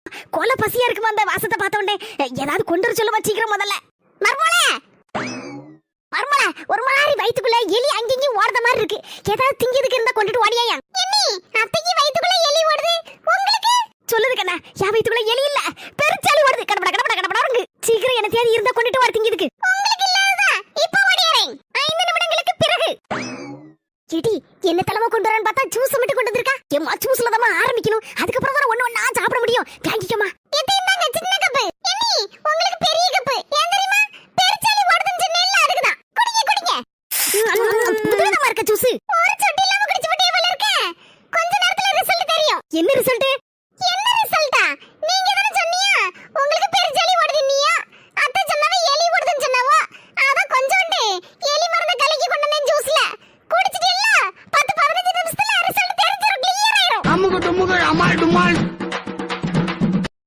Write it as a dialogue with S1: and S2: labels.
S1: கொலை பசியா இருக்குமா அந்த வாசத்தை பார்த்தோன்னே. ஏதாவது கொண்டு வர சொல்லுமா சீக்கிரம் முதல்ல. மர்மோளே மர்மோளே, ஒரு மாதிரி வயித்துக்குள்ள எலி அங்கேயும் ஓடுற மாதிரி இருக்கு. ஏதாவது திங்கிறதுக்கு இருந்தா கொண்டுட்டு ஓடியாயா. என்னி அத்தைக்கு வயித்துக்குள்ள எலி ஓடுது, உங்களுக்கு சொல்லுது கண்ணா. என் வயித்துக்குள்ள எலி இல்ல, பெருச்சாலி ஓடுது. கடப்பட கடப்பட கடப்படங்க. சீக்கிரம் என்ன தேடி இருந்தா கொண்டுட்டு ஓடி திங்கிறதுக்கு. உங்களுக்கு இல்லாததா இப்ப ஓடியாரேன். 5 நிமிடங்களுக்கு பிறகு. ஏடி என்ன தலைமை கொண்டு வரேன்னு பார்த்தா ஜூஸ் மட்டும் கொண்டு வந்திருக்கா. ஏமா ஜூஸ்ல தான் ஆரம்பிக்கணும், அதுக்கப்புறம் தான் ஒண்ணு ஒண்ணா சாப்பிட முடியும். தேங்கிக்கமா.